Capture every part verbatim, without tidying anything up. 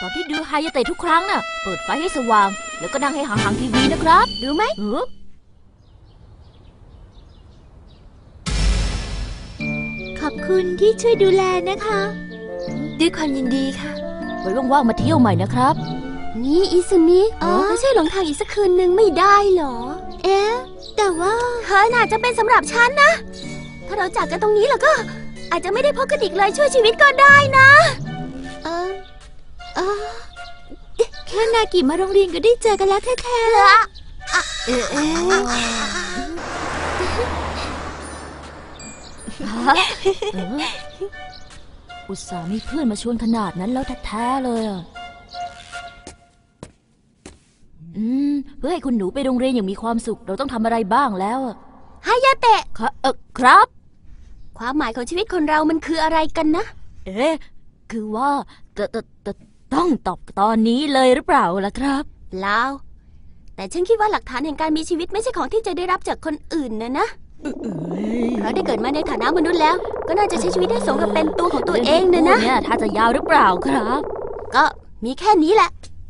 อนที่ดูไฮยาเตะทุกครั้งน่ะเปิดไฟให้สว่างแล้วก็นั่งให้ห่างๆทีวีนะครับรู้ไหมเออขอบคุณที่ช่วยดูแลนะคะด้วยความยินดีค่ะไว้ว่างๆมาเที่ยวใหม่นะครับนี่อิซุมิอ๋อไม่ใช่หลงทางอีกสักคืนนึงไม่ได้หรอเอ๊ะแต่ว่าเธอน่าจะเป็นสำหรับฉันนะถ้าเราจากกันตรงนี้แล้วก็อาจจะไม่ได้พบกันอีกเลยช่วยชีวิตก็ได้นะเออเออแค่นากิมาโรงเรียนก็ได้เจอกันแล้วแท้ๆเออเอออุตส่าห์มีเพื่อนมาชวนขนาดนั้นแล้วแท้ๆเลยอ่ะอืมเพื่อให้คุณหนูไปโรงเรียนอย่างมีความสุขเราต้องทำอะไรบ้างแล้วอ่ะฮายาเตะเออครับความหมายของชีวิตคนเรามันคืออะไรกันนะเอ๊ะคือว่าตตตต้องตอบตอนนี้เลยหรือเปล่าล่ะครับเปล่าแต่ฉันคิดว่าหลักฐานแห่งการมีชีวิตไม่ใช่ของที่จะได้รับจากคนอื่นนะนะเพราะได้เกิดมาในฐานะมนุษย์แล้วก็น่าจะใช้ชีวิตให้สมกับเป็นตัวของตัวเองนะนะเนี่ยถ้าจะยาวหรือเปล่าครับก็มีแค่นี้แหละ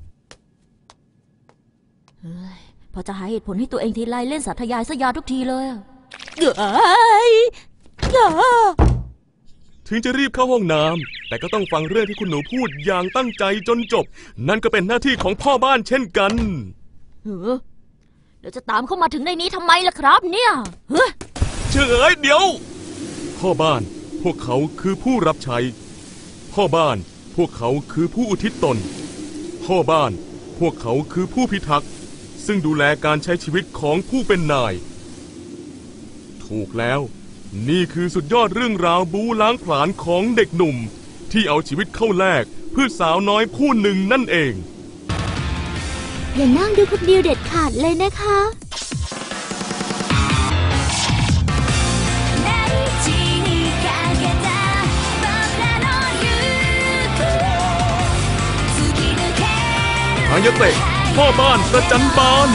พอจะหาเหตุผลให้ตัวเองทีไรเล่นสาธยายซะยาวทุกทีเลยเอ้ยอย่าถึงจะรีบเข้าห้องน้ำแต่ก็ต้องฟังเรื่องที่คุณหนูพูดอย่างตั้งใจจนจบนั่นก็เป็นหน้าที่ของพ่อบ้านเช่นกันเออเดี๋ยวจะตามเข้ามาถึงในนี้ทำไมล่ะครับเนี่ยเฮ้ยเชื่อเอ้ยเดี๋ยวพ่อบ้านพวกเขาคือผู้รับใช้พ่อบ้านพวกเขาคือผู้อุทิศตนพ่อบ้านพวกเขาคือผู้พิทักษ์ซึ่งดูแลการใช้ชีวิตของผู้เป็นนายถูกแล้วนี่คือสุดยอดเรื่องราวบู๊ล้างผลาญของเด็กหนุ่มที่เอาชีวิตเข้าแลกเพื่อสาวน้อยผู้หนึ่งนั่นเองอย่านั่งดูคนเดียวเด็ดขาดเลยนะคะฮายาเตะพ่อบ้านประจันบาน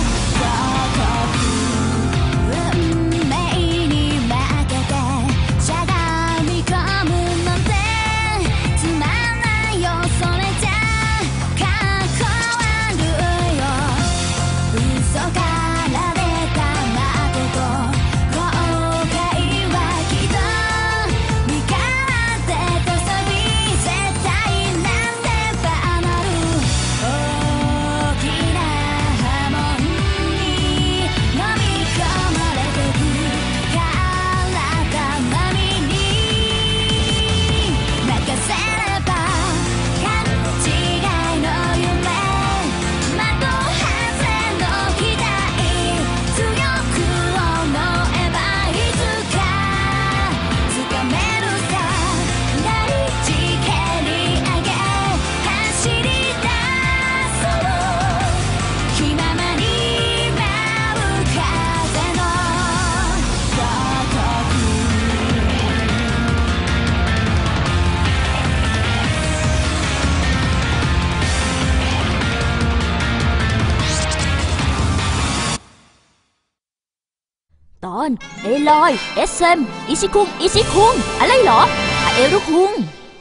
ตอนเอลอยเอสเอ็มอิชิคุงอิชิคุงอะไรเหรออาเอรุคุง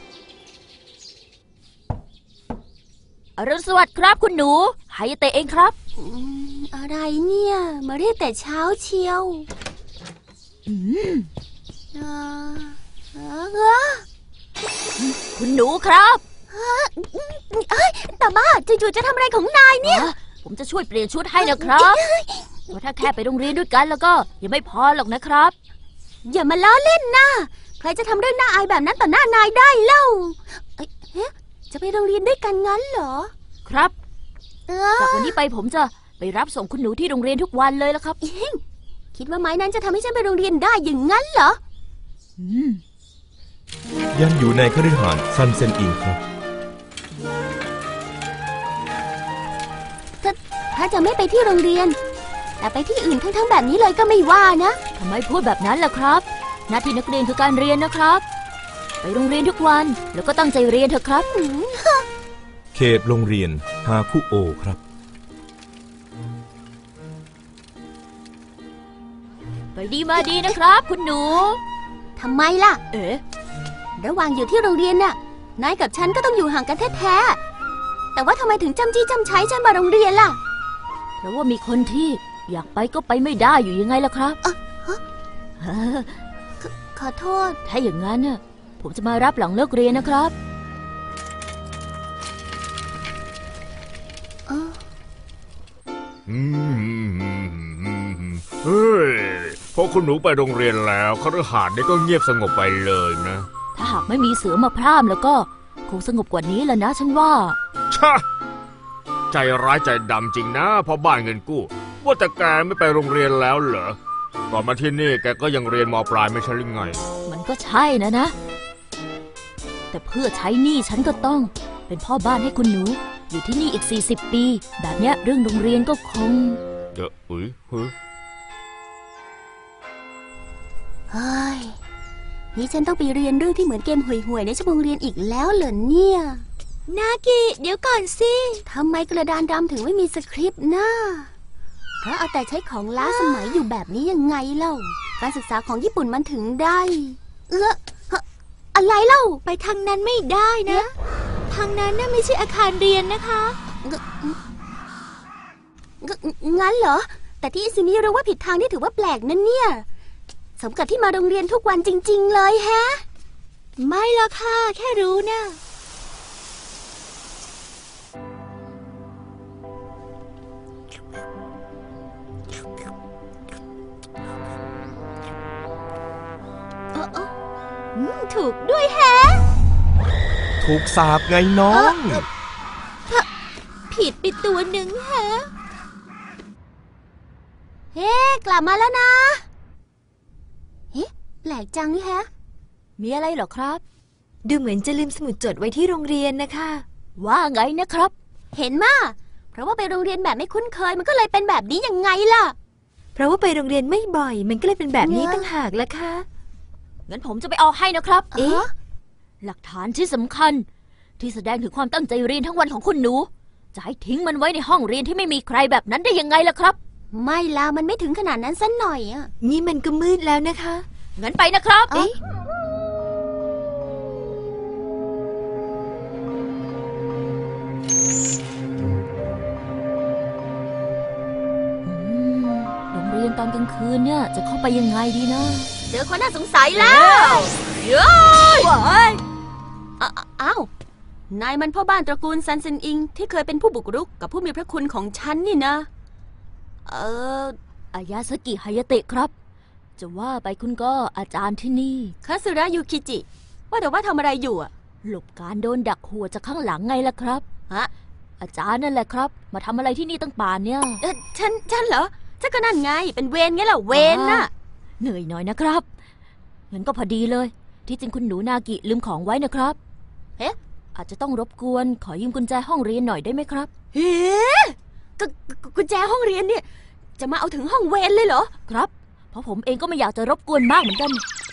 อรุณสวัสดิ์ครับคุณหนูฮายาเตะเองครับอะไรเนี่ยมาเรียกแต่เช้าเชียวอืมเออคุณหนูครับเอ้ยแต่บ้าจู่ๆจะทำอะไรของนายเนี่ยผมจะช่วยเปลี่ยนชุดให้นะครับเพราะถ้าแค่ไปโรงเรียนด้วยกันแล้วก็ยังไม่พอหรอกนะครับอย่ามาล้อเล่นนะใครจะทำเรื่องน่าอายแบบนั้นต่อหน้านายได้เล่าเอ๊ะจะไปโรงเรียนด้วยกันงั้นเหรอครับจากวันนี้ไปผมจะไปรับส่งคุณหนูที่โรงเรียนทุกวันเลยละครับคิดว่าไม้นั้นจะทำให้ฉันไปโรงเรียนได้อย่างนั้นเหรอยังอยู่ในคฤหาสน์ซันเซ็นอินครับถ้าถ้าจะไม่ไปที่โรงเรียนแต่ไปที่อื่นทั้งๆแบบนี้เลยก็ไม่ว่านะทำไมพูดแบบนั้นล่ะครับหน้าที่นักเรียนคือการเรียนนะครับไปโรงเรียนทุกวันแล้วก็ตั้งใจเรียนเถอะครับเขตโรงเรียนฮาคุโอครับไปดีมาดีนะครับคุณหนูทำไมล่ะเอ๊ะระหว่างอยู่ที่โรงเรียนน่ะนายกับฉันก็ต้องอยู่ห่างกันแท้ๆแต่ว่าทำไมถึงจำจี้จำใช้ฉันมาโรงเรียนล่ะเพราะว่ามีคนที่อยากไปก็ไปไม่ได้อยู่ยังไงล่ะครับเอ่อฮะเออขอโทษถ้าอย่างนั้นน่ะผมจะมารับหลังเลิกเรียนนะครับเอออืมเฮ้ยพอคุณหนูไปโรงเรียนแล้วคฤหาสน์นี่ก็เงียบสงบไปเลยนะถ้าหากไม่มีเสือมาพร่ามแล้วก็คงสงบกว่านี้แหละนะฉันว่าชะใจร้ายใจดำจริงนะพอบ้านเงินกู้ว่าแต่แกไม่ไปโรงเรียนแล้วเหรอก่อนมาที่นี่แกก็ยังเรียนม.ปลายไม่ใช่หรือไงมันก็ใช่นะนะ แต่เพื่อใช้หนี้ฉันก็ต้องเป็นพ่อบ้านให้คุณหนูอยู่ที่นี่อีกสี่สิบปีแบบเนี้ยเรื่องโรงเรียนก็คงเดี๋ยวอุ้ยเฮ้ยเฮ้ยนี่ฉันต้องไปเรียนเรื่องที่เหมือนเกมห่วยๆในชั่วโมงเรียนอีกแล้วเหรอเนี่ย นากิเดี๋ยวก่อนสิทำไมกระดานดำถึงไม่มีสคริปต์นะเพราะเอาแต่ใช้ของล้าสมัยอยู่แบบนี้ยังไงเล่าการศึกษาของญี่ปุ่นมันถึงได้ เอออะไรเล่าไปทางนั้นไม่ได้นะทางนั้นน่ะไม่ใช่อาคารเรียนนะคะงั้นเหรอแต่ที่อิซึมิรู้ว่าผิดทางนี่ถือว่าแปลกนั่นเนี่ยสมกับที่มาโรงเรียนทุกวันจริงๆเลยแฮะไม่ละค่ะแค่รู้นะถูกด้วยแฮะถูกสาบไงน้องผิดไปตัวหนึ่งแฮะเฮ้กลับมาแล้วนะเฮ้แปลกจังนี่แฮะมีอะไรเหรอครับดูเหมือนจะลืมสมุดจดไว้ที่โรงเรียนนะคะว่าไงนะครับเห็นมาเพราะว่าไปโรงเรียนแบบไม่คุ้นเคยมันก็เลยเป็นแบบนี้ยังไงล่ะเพราะว่าไปโรงเรียนไม่บ่อยมันก็เลยเป็นแบบนี้เนี่ยตั้งหากละค่ะงั้นผมจะไปเอาให้นะครับเอ๊ะหลักฐานที่สำคัญ ที่แสดงถึงความตั้งใจเรียนทั้งวันของคุณหนู จะให้ทิ้งมันไว้ในห้องเรียนที่ไม่มีใครแบบนั้นได้ยังไงล่ะครับไม่ล่ะมันไม่ถึงขนาดนั้นสักหน่อยอ่ะนี่มันก็มืดแล้วนะคะงั้นไปนะครับเอ๊ะอืมโรงเรียนตอนกลางคืนเนี่ยจะเข้าไปยังไงดีนะเจอคนน่าสงสัยแล้วเย้ยอ้าอ้าวนายมันพ่อบ้านตระกูลซันเซนอิงที่เคยเป็นผู้บุกรุกกับผู้มีพระคุณของฉันนี่นะเอออายาสกิฮายาเตะครับ จะว่าไปคุณก็อาจารย์ที่นี่คาสึระยูคิจิว่าแต่ว่าทำอะไรอยู่อ่ะหลบการโดนดักหัวจากข้างหลังไงล่ะครับฮะอาจารย์นั่นแหละครับ มาทำอะไรที่นี่ตั้งป่านเนี่ยเออฉันฉันเหรอฉันก็นั่นไงเป็นเวรไงล่ะเวรน่ะเหนื่อยหน่อยนะครับงั้นก็พอดีเลย ที่จริงคุณหนูนากิลืมของไว้นะครับเอ๊ะอาจจะต้องรบกวนขอยืมกุญแจห้องเรียนหน่อยได้ไหมครับเฮ้กกกุญแจห้องเรียนเนี่ยจะมาเอาถึงห้องเวรเลยเหรอครับ เพราะผมเองก็ไม่อยากจะรบกวนมากเหมือนกัน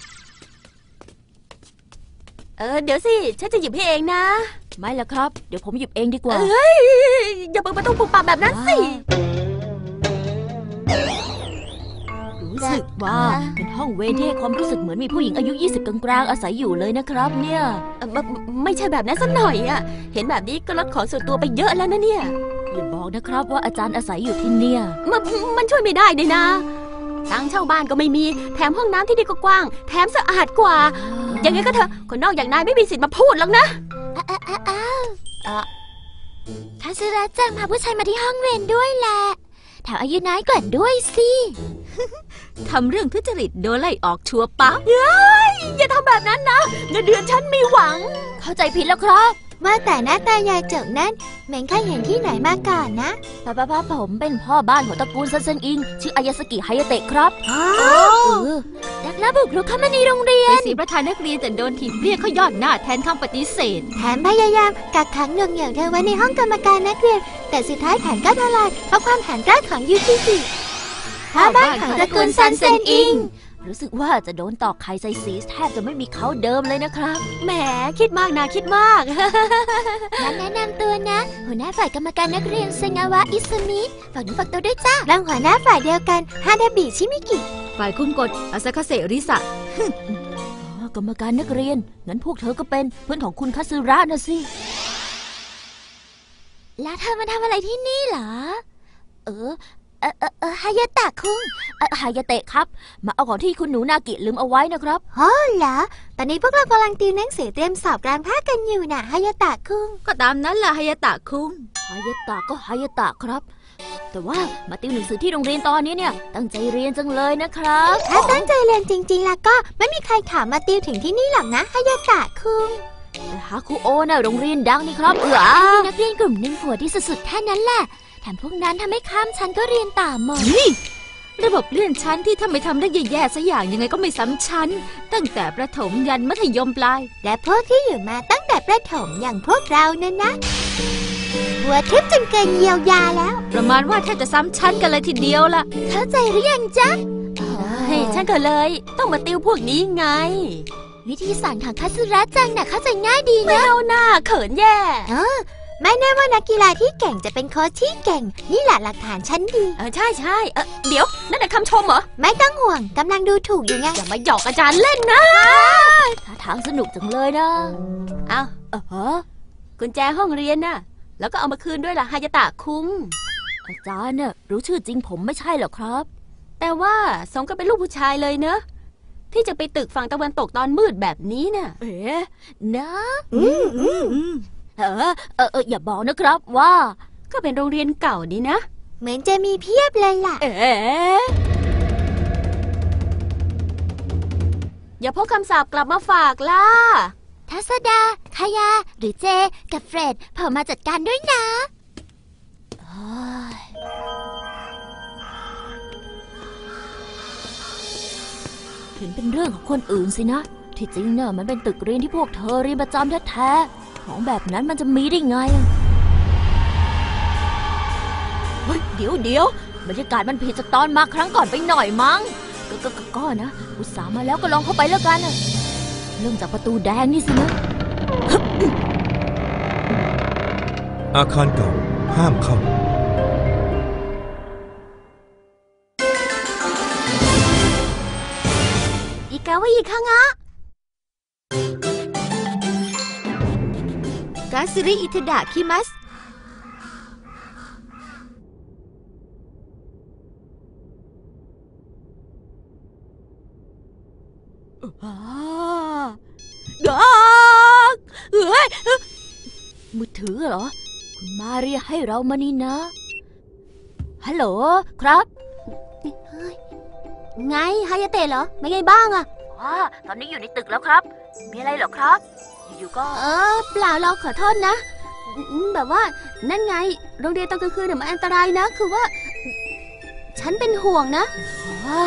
เออเดี๋ยวสิฉันจะหยิบให้เองนะไม่ละครับ เดี๋ยวผมหยิบเองดีกว่าเอ้ยอย่าเปิดประตูปุบปับแบบนั้นสิรู้สึกว่าเป็นห้องเวรที่ให้ความรู้สึกเหมือนมีผู้หญิงอายุยี่สิบกลางๆอาศัยอยู่เลยนะครับเนี่ยเอ่อไม่ไม่ใช่แบบนั้นสักหน่อยอ่ะเห็นแบบนี้ก็ลดของส่วนตัวไปเยอะแล้วนะเนี่ยอย่าบอกนะครับว่าอาจารย์อาศัยอยู่ที่เนี่ยมันมันช่วยไม่ได้เลยนะตังค์เช่าบ้านก็ไม่มีแถมห้องน้ำที่นี่ก็กว้างแถมสะอาดกว่ายังไงก็เถอะคนนอกอย่างนายไม่มีสิทธิ์มาพูดหรอกนะอ้าวคาซึระจังพาผู้ชายมาที่ห้องเรียนด้วยแหละแถมอายุน้อยกว่าด้วยสิทำเรื่องทุจริตโดนไล่ออกชัวร์ปั๊บเฮ้ยอย่าทำแบบนั้นนะเงินเดือนฉันมีหวังเข้าใจผิดแล้วครับว่าแต่หน้าตายายเจิกนั้นเหม็นข้าเห็นที่ไหนมาก่อนนะป้าป้าป้าผมเป็นพ่อบ้านของตระกูลซันเซนอิงชื่ออายาสกิฮายาเตะครับอ๋อเออนักล่าบุกรุกเข้ามาในโรงเรียนเป็นสีประธานนักเรียนแต่โดนถีบเรียกเขายอดหน้าแทนคำปฏิเสธแถมพยายามกักขังหน่วงเหนี่ยวเธอไว้ในห้องกรรมการนักเรียนแต่สุดท้ายแผนก็ทลายเพราะความแผนกล้าของยูคิจิพ่อบ้านของตระกูลซันเซนอิงรู้สึกว่าจะโดนตอกไข่ใส่สีแทบจะไม่มีเขาเดิมเลยนะครับแหมคิดมากนะคิดมากงั้นแนะนำตัวนะหัวหน้าฝ่ายกรรมการนักเรียนเซงาวะอิซุมิฝากหนูฝากตัวด้วยจ้ารองหัวหน้าฝ่ายเดียวกันฮาดาบิชิมิกิฝ่ายคุมกฎอาซาคาเซริสะอ๋อกรรมการนักเรียนงั้นพวกเธอก็เป็นเพื่อนของคุณคาซึระนะสิแล้วเธอมาทำอะไรที่นี่เหรอเออเออเออเออฮายาตะคุงเอ่อฮายาเตะครับ มาเอาของที่คุณหนูนากิลืมเอาไว้นะครับอ๋อเหรอตอนนี้พวกเรากำลังติวหนังสือเตรียมสอบกลางภาคกันอยู่น่ะฮายาตะคุงก็ตามนั้นล่ะฮายาตะคุงฮายาตะก็ฮายาตะครับ แต่ว่ามาติวหนังสือที่โรงเรียนตอนนี้เนี่ยตั้งใจเรียนจังเลยนะครับถ้าตั้งใจเรียนจริงๆแล้วก็ไม่มีใครถามมาติวถึงที่นี่หรอกนะฮายาตะคุงแต่ฮาคุโอน่ะโรงเรียนดังนี่ครับเออมีนักเรียนกลุ่มหนึ่งหัวที่สุดๆแค่นั้นแหละแถมพวกนั้นทำให้ข้ามชั้นก็เรียนตามหมดระบบเลื่อนชั้นที่ถ้าไม่ทำได้แย่ๆสักอย่างยังไงก็ไม่ซ้ำชั้น ตั้งแต่ประถมยันมัธยมปลายและพวกที่อยู่มาตั้งแต่ประถมอย่างพวกเรานั่นนะหัวทิพย์จนเกินเยียวยาแล้วประมาณว่าแทบจะซ้ำชั้นกันเลยทีเดียวล่ะเข้าใจหรือยังจ๊ะเฮ้ยฉันก็เลยต้องมาติวพวกนี้ไงวิธีสอนของคาสึระจังน่ะเข้าใจง่ายดีนะเอาหน้าเขินแย่เออไม่แน่ว่านักกีฬาที่เก่งจะเป็นโค้ชที่เก่งนี่แหละหลักฐานชั้นดีเออใช่ใช่เออเดี๋ยวนั่นแหละคำชมเหรอไม่ต้องห่วงกำลังดูถูกอยู่ไงอย่ามาหยอกอาจารย์เล่นนะท่าทางสนุกจังเลยนะเอาเออฮะกุญแจห้องเรียนน่ะแล้วก็เอามาคืนด้วยล่ะฮายาตะคุงอาจารย์น่ะรู้ชื่อจริงผมไม่ใช่เหรอครับแต่ว่าสมก็เป็นลูกผู้ชายเลยเนอะที่จะไปตึกฝั่งตะวันตกตอนมืดแบบนี้น่ะเอ๊ะนะอืมอืมอืมเออเออเอออย่าบอกนะครับว่าก็เป็นโรงเรียนเก่าดีนะเหมือนจะมีเพียบเลยล่ะเอ๊ะอย่าพกคำสาปกลับมาฝากล่ะทัศดาคายาหรือเจกับเฟรดเผมมาจัดการด้วยนะเฮ้ยเห็นเป็นเรื่องของคนอื่นสินะ ที่จริงเนี่ยมันเป็นตึกเรียนที่พวกเธอเรียนประจำแท้ๆของแบบนั้นมันจะมีได้ไงอะเฮ้ยเดี๋ยวเดี๋ยวบรรยากาศมันผิดจากตอนมาครั้งก่อนไปหน่อยมั้งก็ก็ก็ก็นะอุตส่าห์มาแล้วก็ลองเข้าไปแล้วกันอะเริ่มจากประตูแดงนี่สินะอาคารเก่าห้ามเข้าอีกาวะอีกครั้งอะกาซิริอิทดะคิมัสอ้าดักเอ้ยมือถือเหรอ คุณมาเรียกให้เรามานี่นะ ฮัลโหลครับไงฮายาเตะเหรอไม่ไงบ้างอะอ๋อตอนนี้อยู่ในตึกแล้วครับ มีอะไรเหรอครับ อยู่ๆก็เออเปล่าเราขอโทษนะอืมแบบว่านั่นไงโรงเรียนตอนกลางคืนเนี่ยมันอันตรายนะ คือว่า ฉันเป็นห่วงนะอ๋อ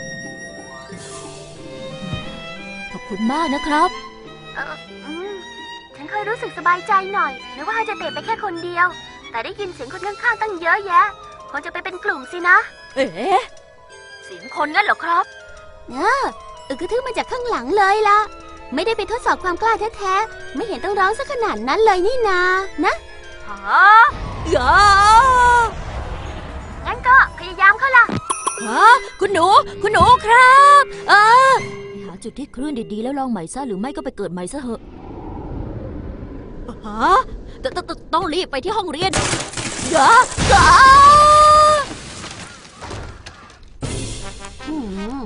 ขอบคุณมากนะครับเอออืมฉันเคยรู้สึกสบายใจหน่อยนึกว่าฮายาเตะไปแค่คนเดียว แต่ได้ยินเสียงคนข้างๆตั้งเยอะแยะคงจะไปเป็นกลุ่มสินะเอ๊ะเสียงคนงั้นเหรอครับเอออึกกระทึกมาจากข้างหลังเลยล่ะ ไม่ได้ไปทดสอบความกล้าแท้ๆไม่เห็นต้องร้องสักขนาดนั้นเลยนี่นานะฮะอย่างั้นก็พยายามเข้าล่ะฮะคุณหนู คุณหนูครับ เออไปหาจุดที่คลื่นดีๆแล้วลองใหม่ซะหรือไม่ก็ไปเกิดใหม่ซะเหอะฮะตตตต้องรีบไปที่ห้องเรียนอย่าอย่าอืม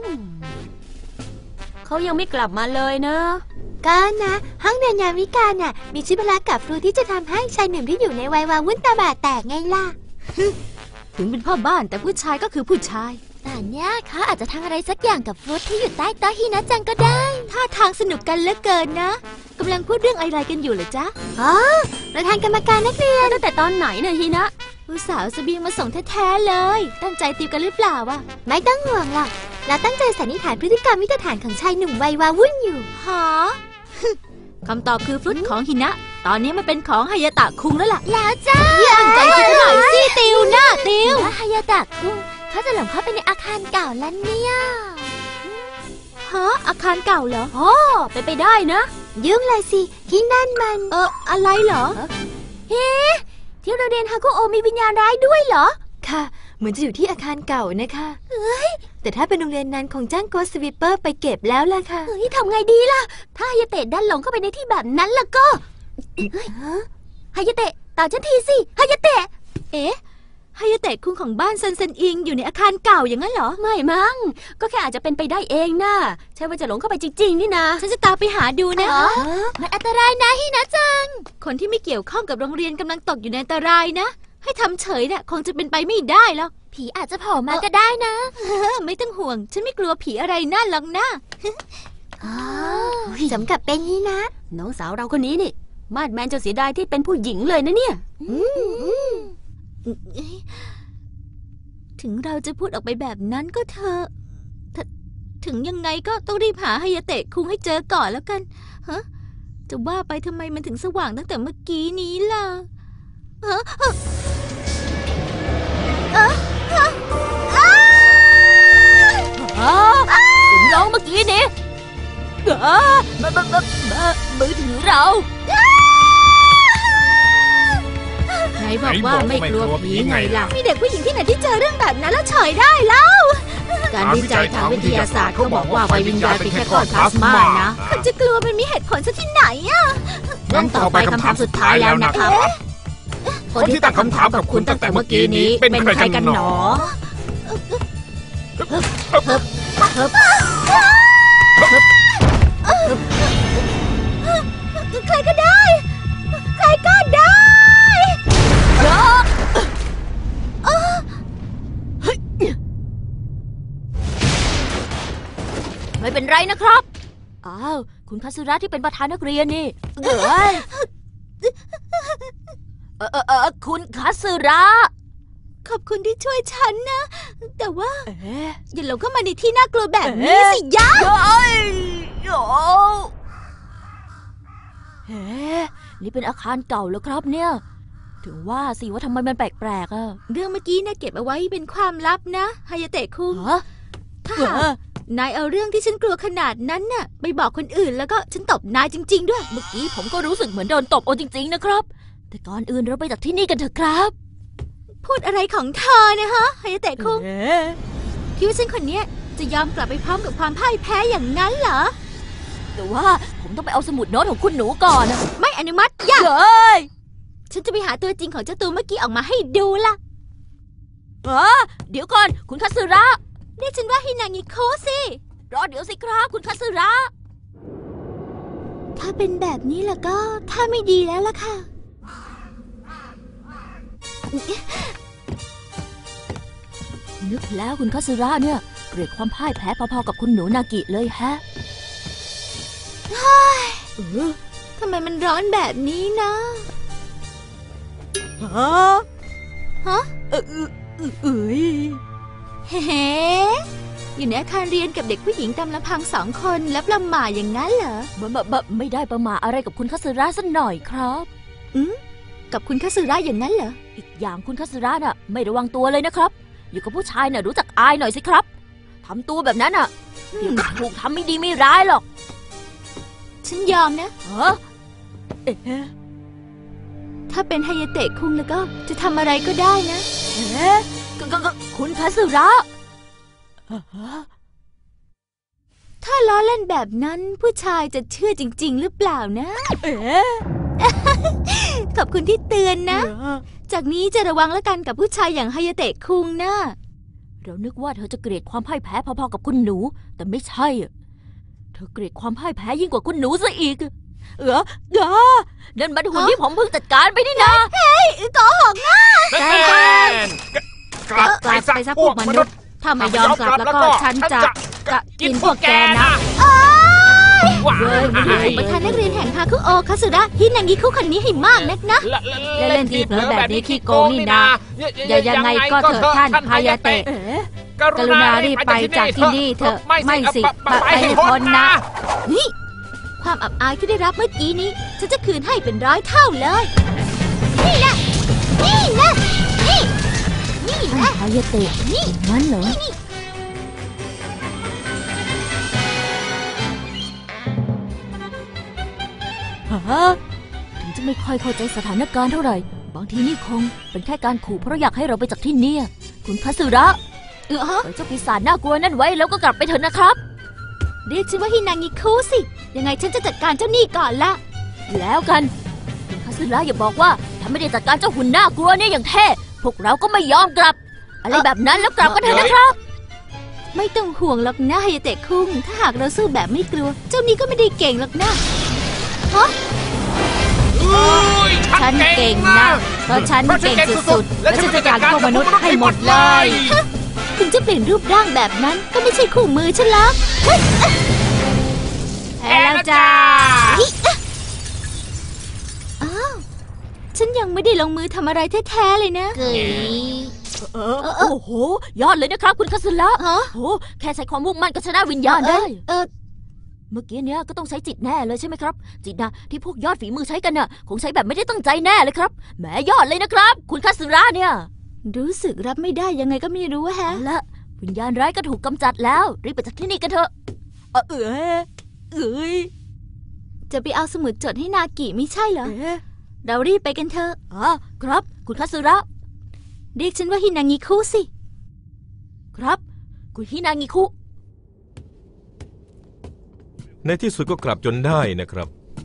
เขายังไม่กลับมาเลยนะก็นะห้องเรียนยามวิกาลน่ะมีชิพละกับครูที่จะทำให้ชายหนุ่มที่อยู่ในวัยวาวุ่นตาบาดแตกไงล่ะถึงเป็นพ่อบ้านแต่ผู้ชายก็คือผู้ชายแต่เนี้ยเขาอาจจะทำอะไรสักอย่างกับฟรุตที่อยู่ใต้โต๊ะฮินะจังก็ได้ท่าทางสนุกกันเหลือเกินนะกำลังพูดเรื่องอะไรกันอยู่เหรอจ๊ะอ๋อประธานกรรมการนักเรียนตั้งแต่ตอนไหนเนี่ยฮีนะผู้สาวเสบียงมาส่งแท้ๆเลย ตั้งใจติวกันหรือเปล่าวะไม่ต้องห่วงหรอกเราตั้งใจสันนิษฐานพฤติกรรมวิตฐานของชายหนุ่มวัยวาวุ่นอยู่หอคำตอบคือฟรุตของฮินะ ตอนนี้มันเป็นของฮายาตะคุงแล้วล่ะแล้วจ้าตั้งใจคิดหน่อยสิติวหน้าติวว่าฮายาตะคุงเขาจะหลงเข้าไปในอาคารเก่าแล้วเนี่ยฮะอาคารเก่าเหรออ๋อเป็นไปได้นะยุ่งเลยสิที่นั่นมันเอออะไรเหรอเฮ้ที่โรงเรียนฮาคุโอมีวิญญาณร้ายด้วยเหรอค่ะ เหมือนจะอยู่ที่อาคารเก่านะคะเอ้ยแต่ถ้าเป็นโรงเรียนนั้นคงจ้างโกสต์สวีปเปอร์ไปเก็บแล้วล่ะค่ะเฮ้ยทำไงดีล่ะ ถ้าฮายาเตะดันหลงเข้าไปในที่แบบนั้นล่ะก็เฮ้ยฮายาเตะตามฉันทีสิฮายาเตะเอ๊ะฮายาเตะคุงของบ้านซันเซนอิงอยู่ในอาคารเก่าอย่างนั้นเหรอไม่มั้งก็แค่อาจจะเป็นไปได้เองนะใช่ว่าจะหลงเข้าไปจริงๆนี่นะฉันจะตามไปหาดูนะอ๋อมันอันตรายนะฮินะจัง คนที่ไม่เกี่ยวข้องกับโรงเรียนกำลังตกอยู่ในอันตรายนะ ให้ทำเฉยน่ะคงจะเป็นไปไม่ได้หรอกผีอาจจะโผล่มาก็ได้นะไม่ต้องห่วง ฉันไม่กลัวผีอะไรนั่นหรอกนะอ๋อสำกับเป็นนี่นะน้องสาวเราคนนี้นี่มาดแมนจะเสียดายที่เป็นผู้หญิงเลยนะเนี่ยถึงเราจะพูดออกไปแบบนั้นก็เถอะถถึงยังไงก็ต้องรีบหาฮายาเตะคุงให้เจอก่อนแล้วกันฮะจะว่าไปทำไมมันถึงสว่างตั้งแต่เมื่อกี้นี้ล่ะฮะฮะเอ๊ะฮะอ้าอ๋อถึงร้องเมื่อกี้นี้เออมมมมมือถือเราไหนบอกว่าไม่กลัวผีไงล่ะมีเด็กผู้หญิงที่ไหนที่เจอเรื่องแบบนั้นแล้วเฉยได้เล่าการวิจัยทางวิทยาศาสตร์เขาบอกว่าไฟวิญญาณเป็นแค่ก้อนพลาสมานะคนจะกลัวมันมีเหตุผลซะที่ไหนอะงั้นต่อไปคำถามสุดท้ายแล้วนะครับคนที่ตั้งคำถามกับคุณตั้งแต่เมื่อกี้นี้เป็นใครกันหนอใครก็ได้ใครก็ได้ไม่เป็นไรนะครับอ้าวคุณคาซึระที่เป็นประธานนักเรียนนี่เอ้ยเออเออเออคุณคาซึระขอบคุณที่ช่วยฉันนะแต่ว่าเอ๊ะอย่าหลงเข้ามาในที่น่ากลัวแบบนี้สิยะเอ้ยโอ้เฮ้นี่เป็นอาคารเก่าแล้วครับเนี่ยถึงว่าสิว่าทำไมมันแปลกๆอ่ะเรื่องเมื่อกี้นะเก็บเอาไว้เป็นความลับนะฮายาเตะคุงฮะถ้าหากนายเอาเรื่องที่ฉันกลัวขนาดนั้นน่ะไปบอกคนอื่นแล้วก็ฉันตบนายจริงๆด้วยเมื่อกี้ผมก็รู้สึกเหมือนโดนตบโอจริงๆนะครับแต่ก่อนอื่นเราไปจากที่นี่กันเถอะครับพูดอะไรของเธอนะฮะฮายาเตะคุงเอ๊ะคิดว่าฉันคนเนี้ยจะยอมกลับไปพร้อมกับความพ่ายแพ้อย่างนั้นเหรอแต่ว่าผมต้องไปเอาสมุดโน้ตของคุณหนูก่อนนะไม่อนุมัติอย่าเฮ้ยฉันจะไปหาตัวจริงของเจ้าตัวเมื่อกี้ออกมาให้ดูล่ะเออเดี๋ยวก่อนคุณคาซึระเรียกฉันว่าฮินางิโคสิรอเดี๋ยวสิครับคุณคาซึระถ้าเป็นแบบนี้ล่ะก็ถ้าไม่ดีแล้วล่ะค่ะนึกแล้วคุณคาซึระเนี่ยเกลียดความพ่ายแพ้พอๆกับคุณหนูนากิเลยแฮะเออทำไมมันร้อนแบบนี้นะฮะฮะเออเออเออเอ้ยเฮ้อยู่ในอาคารเรียนกับเด็กผู้หญิงตามลำพังสองคนแล้วประหม่าอย่างนั้นเหรอบะบะบะไม่ได้ประมาทอะไรกับคุณคาซึระสักหน่อยครับอืมกับคุณคาสึระอย่างนั้นเหรออีกอย่างคุณคาซึระน่ะไม่ระวังตัวเลยนะครับ อยู่กับผู้ชายน่ะรู้จักอายหน่อยสิครับทำตัวแบบนั้นอ่ะเดี๋ยวก็ถูกทำไม่ดีไม่ร้ายหรอกฉันยอมนะฮะเอ๊ะถ้าเป็นไฮยาเตะคุงแล้วก็จะทำอะไรก็ได้นะเอ๊ะก็ก็ก็คุณคาซึระฮะถ้าล้อเล่นแบบนั้นผู้ชายจะเชื่อจริง ๆ หรือเปล่านะเอ๊ะขอบคุณที่เตือนนะ จากนี้จะระวังแล้วกันกับผู้ชายอย่างไฮยาเตะคุงนะเรานึกว่าเธอจะเกลียดความพ่ายแพ้พอๆกับคุณหนู แต่ไม่ใช่อะเธอเกลียดความพ่ายแพ้ยิ่งกว่าคุณหนูซะอีก เออเออนั่นมันหุ่นที่ผมเพิ่งจัดการไปนี่นะโกหกนะแน่กลับกลับไปซะพวกมนุษย์ ถ้าไม่ยอมกลับแล้วก็ฉันจะจะกินพวกแกนะว้าเว้ยไม่ได้ประธานนักเรียนแห่งฮาคุโอคาสึระฮินางิคุคนนี้ให้มากนักนะ เล่นที่เผลอแบบนี้ขี้โกงนี่นะอย่ายังไงก็เถอะท่านฮายาเตะเอ๊ะกรุณารีบไปจากที่นี่เถอะไม่สิไปให้พ้นนะนี่ความอับอายที่ได้รับเมื่อกี้นี้ฉันจะคืนให้เป็นร้อยเท่าเลยนี่แหละนี่แหละนี่นี่แหละฮายาเตะนี่งั้นเหรอฮะถึงจะไม่ค่อยเข้าใจสถานการณ์เท่าไหร่บางทีนี่คงเป็นแค่การขู่เพราะอยากให้เราไปจากที่นี่คุณคาสึระเออฮะปล่อยเจ้าปีศาจน่ากลัวนั่นไว้แล้วก็กลับไปเถอะนะครับเรียกฉันว่าฮินางิคุสิยังไงฉันจะจัดการเจ้าหนี้ก่อนละแล้วกันคุณคาสึระอย่าบอกว่าถ้าไม่ได้จัดการเจ้าหุ่นน่ากลัวเนี่ยอย่างเท่พวกเราก็ไม่ยอมกลับ อะไรแบบนั้นแล้วกลับกันเถอะนะครับไม่ต้องห่วงหรอกนะไฮเตะคุงถ้าหากเราสู้แบบไม่กลัว เจ้านี้ก็ไม่ได้เก่งหรอกนะฮะฉันเก่งนะเพราะฉันเก่งสุดๆและฉันจะจัดการพวกมนุษย์ให้หมดเลยถึงจะเปลี่ยนรูปร่างแบบนั้นก็ไม่ใช่คู่มือฉันหรอกแพ้แล้วจ้าอ้าวฉันยังไม่ได้ลงมือทำอะไรแท้ๆเลยนะเออโอ้โหยอดเลยนะครับคุณคาสึระโอ้แค่ใช้ความมุ่งมั่นก็ชนะวิญญาณได้เออเมื่อกี้เนี้ยก็ต้องใช้จิตแน่เลยใช่ไหมครับจิตนะที่พวกยอดฝีมือใช้กันน่ะคงใช้แบบไม่ได้ตั้งใจแน่เลยครับแหมยอดเลยนะครับคุณคาสึระเนี่ยรู้สึกรับไม่ได้ยังไงก็ไม่รู้แฮะละวิญญาณร้ายก็ถูกกำจัดแล้วรีบไปจากที่นี่กันเถอะเออเออเอ้ยจะไปเอาสมุดจดให้นากิไม่ใช่เหรอเรารีบไปกันเถอะอ๋อครับคุณคาสึระเรียกฉันว่าฮินางิคุสิครับคุณฮินางิคุในที่สุดก็กลับจนได้นะครับ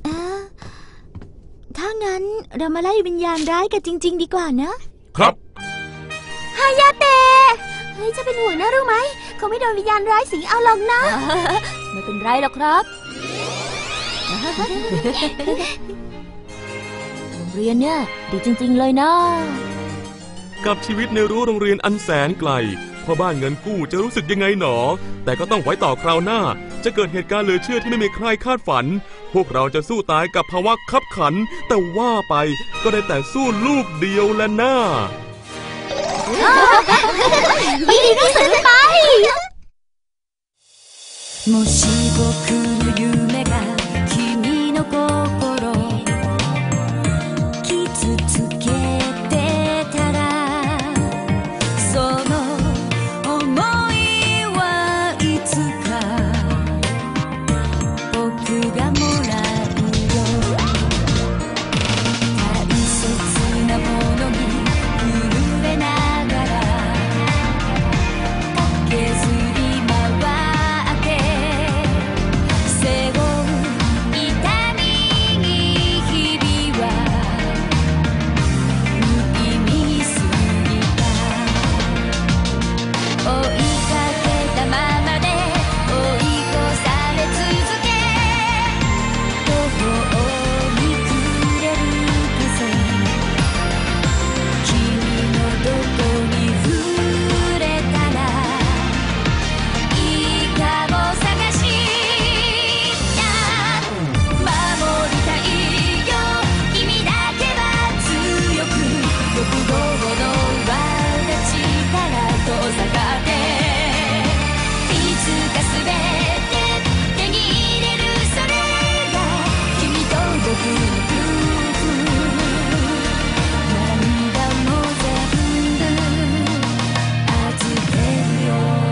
ถ้างั้นเรามาไล่วิญญาณร้ายกันจริงๆดีกว่านะครับฮายาเตะเฮ้ยจะเป็นห่วงนะรู้ไหมเขาไม่โดนวิญญาณร้ายสิงเอาหรอกนะไม่เป็นไรหรอกครับโรงเรียนเนี่ยดีจริงๆเลยนะกับชีวิตในรั้วโรงเรียนอันแสนไกลพ่อบ้านเงินกู้จะรู้สึกยังไงหนอแต่ก็ต้องไว้ต่อคราวหน้าจะเกิดเหตุการณ์เหลือเชื่อที่ไม่มีใครคาดฝันพวกเราจะสู้ตายกับภาวะคับขันแต่ว่าไปก็ได้แต่สู้ลูกเดียวและหน้าดีที่สุดไปもし僕の夢が君の心傷つけてたらその想いはいつか僕がもらうよ大切なものに震えながら駆けずり回って背負う痛みに日々は無意味すぎた追いかけたままで追い越され続け途方に暮れる風君のどこに触れたらいいかも探した守りたいよ君だけは強く欲望の輪が力と下がっていつかすべて手に入れるそれが君と僕の夫婦涙も全部預けるよ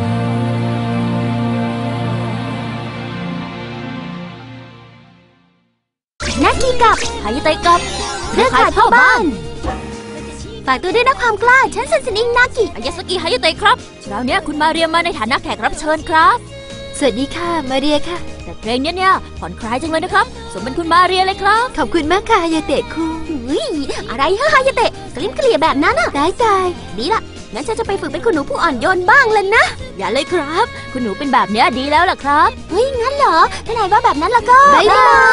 นากิกับฮายาเตะกับเครือข่ายพ่อบ้านฝากตัวด้วยนะความกล้าฉันเซนสนิงนากิอายาสกิฮายาเตะครับคราวนี้คุณมาเรียมาในฐานะแขกรับเชิญครับสวัสดีค่ะมาเรียค่ะแต่เพลงเนี้ยเนี่ยผ่อนคลายจังเลยนะครับสมเป็นคุณมาเรียเลยครับขอบคุณมากค่ะฮายาเตะคุงเฮ้ยอะไรฮะฮายาเตะกลิ้มเกลี่ยแบบนั้นอ่ะตายตายดีละงั้นฉันจะไปฝึกเป็นคุณหนูผู้อ่อนโยนบ้างเลยนะอย่าเลยครับ คุณหนูเป็นแบบเนี้ยดีแล้วล่ะครับเฮ้ยงั้นเหรอถ้านายว่าแบบนั้นแล้วก็บ๊ายบาย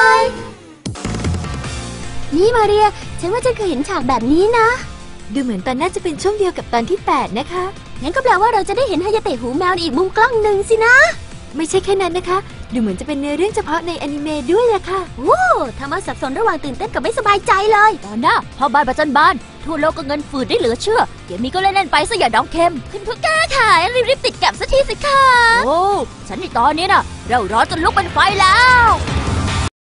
นี่มาเรียฉันว่าฉันเคยเห็นฉากแบบนี้นะดูเหมือนตอนน่าจะเป็นช่วงเดียวกับตอนที่แปดนะคะงั้นก็แปลว่าเราจะได้เห็นฮายาเตะหูแมวในอีกมุมกล้องหนึ่งสินะไม่ใช่แค่นั้นนะคะ ดูเหมือนจะเป็นเนื้อเรื่องเฉพาะในอนิเมะด้วยล่ะค่ะโอ้ทำมาสับสนระหว่างตื่นเต้นกับไม่สบายใจเลยตอนหน้าพ่อบ้านประจันบานทั่วโลกก็เงินฝืดได้เหลือเชื่อเกมนี้ก็เล่นๆไปซะอย่าดองเค็มคุณผู้กล้าขายรีบๆติดแก็บสักทีสิคะโอ้ฉันในตอนนี้น่ะเราร้อนจนลุกเป็นไฟแล้ว